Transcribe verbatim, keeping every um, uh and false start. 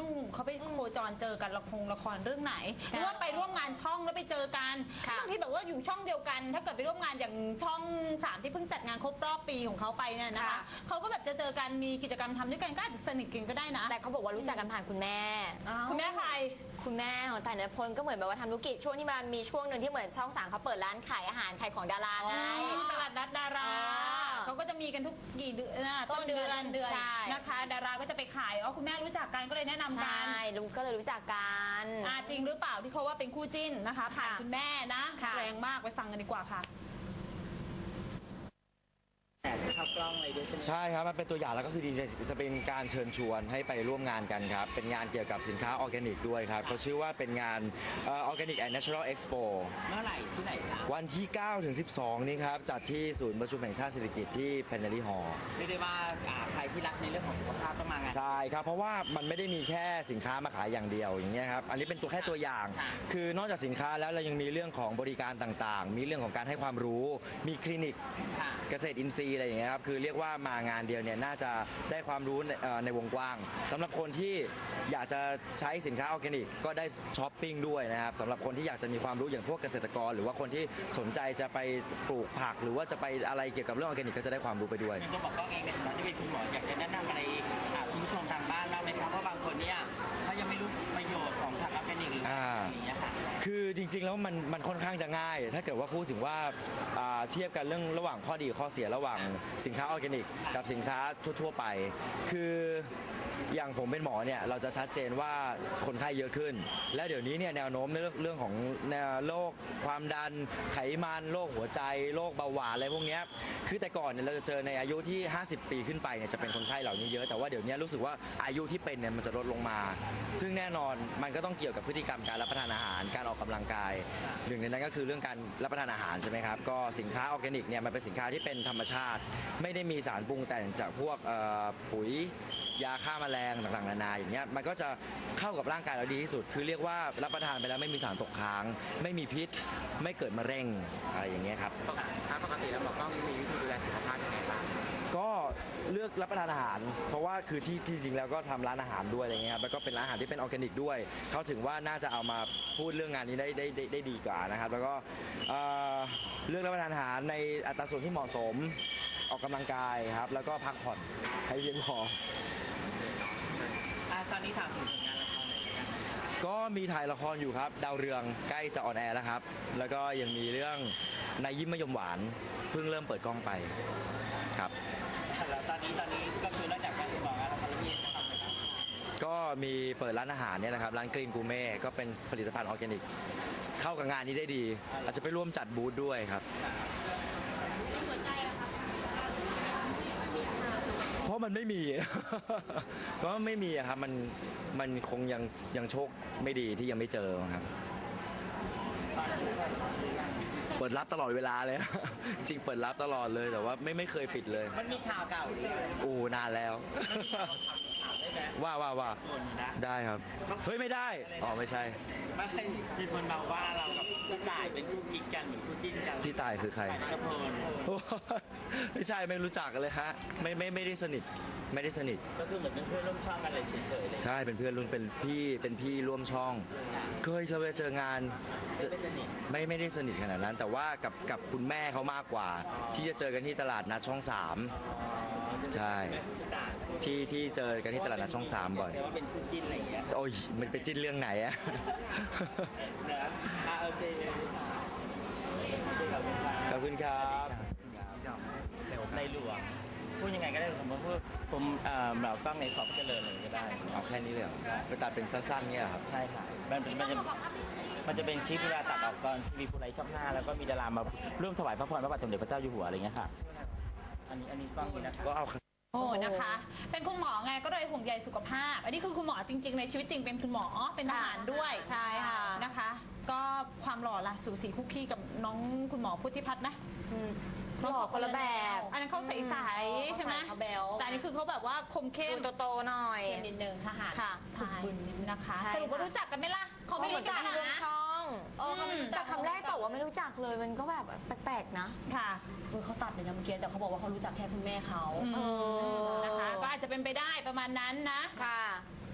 องเขาไปโคจรเจอกันละครละครเรื่องไหนหรือว่าไปร่วมงานช่องแล้วไปเจอกันบางทีแบบว่าอยู่ช่องเดียวกันถ้าเกิดไปร่วมงานอย่างช่องสามที่เพิ่งจัดงานครบรอบปีของเขาไปเนี่ยนะคะเขาก็แบบจะเจอกันมีกิจกรรมทำด้วยกันก็อาจจะสนิทกันก็ได้นะแต่เขาบอกว่ารู้จักกันผ่านคุณแม่คุณแม่ใครคุณแม่ของแต่ณพลก็เหมือนแบบว่าทำธุรกิจช่วงที่มันมีช่วงหนึ่งที่เหมือนช่องสามเขาเปิดร้านขายอาหารขายของดาราไงตลาดนัดดาราเขาก็จะมีกันทุกกี่เดือนต้นเดือนนะคะดาราก็จะไปขายอ๋อคุณแม่รู้จักกันก็เลยแนะนำกันใช่รู้ก็เลยรู้จักกันอ่าจริงหรือเปล่าที่เขาว่าเป็นคู่จิ้นนะคะผ่านคุณแม่นะแรงมากไปฟังกันดีกว่าค่ะเข้ากล้องอะไรด้วยใช่ไหมใช่ครับมันเป็นตัวอย่างแล้วก็คือดีจะเป็นการเชิญชวนให้ไปร่วมงานกันครับเป็นงานเกี่ยวกับสินค้าออร์แกนิกด้วยครับเขาชื่อว่าเป็นงานออร์แกนิกแอนด์เนเชอรัลเอ็กซ์โปเมื่อไหร่ที่ไหนครับวันที่เก้าถึงสิบสองนี้ครับจัดที่ศูนย์ประชุมแห่งชาติเศรษฐกิจที่แพนเนอรี่ฮอลล์เรียกได้ว่าใครที่รักในเรื่องของสุขภาพต้องมางานใช่ครับเพราะว่ามันไม่ได้มีแค่สินค้ามาขายอย่างเดียวอย่างเงี้ยครับอันนี้เป็นตัวแค่ตัวอย่างคือนอกจากสินค้าแล้วเรายังมีเรื่องของบริการต่างๆมีเรื่องของการให้ความรู้มีคลินิกเกษตรอินทรีย์อะไรอย่างเงี้ยครับคือเรียกว่ามางานเดียวเนี่ยน่าจะได้ความรู้ในในวงกว้างสำหรับคนที่อยากจะใช้สินค้าออร์แกนิกก็ได้ช้อปปิ้งด้วยนะครับสำหรับคนที่อยากจะมีความรู้อย่างพวกเกษตรกรหรือว่าคนที่สนใจจะไปปลูกผักหรือว่าจะไปอะไรเกี่ยวกับเรื่องออร์แกนิกก็จะได้ความรู้ไปด้วยยังต้องบอกกล้องเองในฐานะที่เป็นคุณหมออยากจะแนะนำอะไรคุณผู้ชมทางบ้านบ้างไหมครับเพราะบางคนเนี่ยเขายังไม่รู้ประโยชน์ของผักออร์แกนิกหรืออะไรอย่างเงี้ยค่ะคือจริงๆแล้วมันมันค่อนข้างจะง่ายถ้าเกิดว่าพูดถึงว่าเทียบกันเรื่องระหว่างข้อดีข้อเสียระหว่างสินค้าออร์แกนิกกับสินค้าทั่วๆไปคืออย่างผมเป็นหมอเนี่ยเราจะชัดเจนว่าคนไข้เยอะขึ้นและเดี๋ยวนี้เนี่ยแนวโน้มในเรื่องของโรคความดันไขมันโรคหัวใจโรคเบาหวานอะไรพวกนี้คือแต่ก่อนเนี่ยเราจะเจอในอายุที่ห้าสิบปีขึ้นไปเนี่ยจะเป็นคนไข้เหล่านี้เยอะแต่ว่าเดี๋ยวนี้รู้สึกว่าอายุที่เป็นเนี่ยมันจะลดลงมาซึ่งแน่นอนมันก็ต้องเกี่ยวกับพฤติกรรมการรับประทานอาหารการออกกำลังกายหนึ่งในนั้นก็คือเรื่องการรับประทานอาหารใช่ไหมครับก็สินค้าออร์แกนิกเนี่ยมันเป็นสินค้าที่เป็นธรรมชาติไม่ได้มีสารปรุงแต่งจากพวกปุ๋ยยาฆ่าแมลงต่างๆนานาอย่างเงี้ยมันก็จะเข้ากับร่างกายเราดีที่สุดคือเรียกว่ารับประทานไปแล้วไม่มีสารตกค้างไม่มีพิษไม่เกิดมะเร็งอะไรอย่างเงี้ยครับปกติแล้วหมอกล้องมีวิธีดูแลสุขภาพยังไงบ้างก็เลือกรับประทานอาหารเพราะว่าคือที่ที่จริงแล้วก็ทำร้านอาหารด้วยอะไรเงี้ยครับแล้วก็เป็นร้านอาหารที่เป็นออร์แกนิกด้วยเขาถึงว่าน่าจะเอามาพูดเรื่องงานนี้ได้ได้ได้ได้ดีกว่านะครับแล้วก็เลือกรับประทานอาหารในอัตราส่วนที่เหมาะสมออกกำลังกายครับแล้วก็พักผ่อนให้เพียงพอตอนนี้ถามถึงผลงานละครหน่อยนะครับก็มีถ่ายละครอยู่ครับดาวเรืองใกล้จะออนแอร์แล้วครับแล้วก็ยังมีเรื่องนายยิ้มมะยมหวานเพิ่งเริ่มเปิดกล้องไปครับแล้วตอนนี้ตอนนี้ก็คือนอกจากการติดต่องานละครแล้วมีทำอะไรบ้างก็มีเปิดร้านอาหารเนี่ยนะครับร้านกรีนกูเม่ก็เป็นผลิตภัณฑ์ออร์แกนิกเข้ากับงานนี้ได้ดีอาจจะไปร่วมจัดบูธด้วยครับเพราะมันไม่มี เพราะไม่มีครับมันมันคงยังยังโชคไม่ดีที่ยังไม่เจอครับเปิดรับตลอดเวลาเลย จริงเปิดรับตลอดเลยแต่ว่าไม่ไม่เคยปิดเลยมันมีข่าวเก่าดิโอ้นานแล้วว่าว่าว่าได้ครับเฮ้ยไม่ได้อ๋อไม่ใช่ไม่มีคนเราว่าเรากับพี่ต่ายเป็นคู่กิ๊กกันหรือคู่จิ้นกันพี่ต่ายคือใครไม่ใช่ไม่รู้จักกันเลยฮะไม่ไม่ไม่ได้สนิทไม่ได้สนิทก็คือเหมือนเป็นเพื่อนร่วมช่องกันเลยเฉยๆเลยใช่เป็นเพื่อนรุ่นเป็นพี่เป็นพี่ร่วมช่องเคยเจอเจองานไม่ไม่ได้สนิทขนาดนั้นแต่ว่ากับกับคุณแม่เขามากกว่าที่จะเจอกันที่ตลาดนัดช่องสามใช่ที่ที่เจอกันที่ตลาดนัดช่องสามบ่อยว่าเป็นคู่จิ้นอะไรอย่างเงี้ยโอ้ยมันเป็นจิ้นเรื่องไหนอะนะโอเคขอบคุณครับในหลวงพูดยังไงก็ได้ผมพูดผมเราต้องในขอบเจริญเลยก็ได้เอาแค่นี้เลยเหรอไปตัดเป็นสั้นๆเนี่ยครับใช่ค่ะมันมันจะมันจะเป็นคลิปเวลาตัดออกตอนทีวีภูไรช่องห้าแล้วก็มีดารามาร่วมถวายพระพรพระบาทสมเด็จพระเจ้าอยู่หัวอะไรเงี้ยค่ะอันนี้อันนี้กล้องนี้นะก็เอาโอ้นะคะเป็นคุณหมอไงก็เลยห่วงใยสุขภาพอันนี้คือคุณหมอจริงๆในชีวิตจริงเป็นคุณหมอเป็นทหารด้วยใช่ค่ะนะคะก็ความหล่อล่ะสูสีคุกคีกับน้องคุณหมอพุทธิพัฒน์ไหมหล่อคนละแบบอันนั้นเขาใสๆใช่ไหมแต่อันนี้คือเขาแบบว่าคมเข้มโตๆหน่อยนิดนึงทหารค่ะฝึกบุญนะคะสรุปว่ารู้จักกันไหมล่ะเขาไม่รู้จักนะช่องแต่คำแรกบอกว่าไม่รู้จักเลยมันก็แบบแปลกๆนะค่ะคือเขาตัดเลยนะเมื่อกี้แต่เขาบอกว่าเขารู้จักแค่คุณแม่เขานะคะก็อาจจะเป็นไปได้ประมาณนั้นนะค่ะ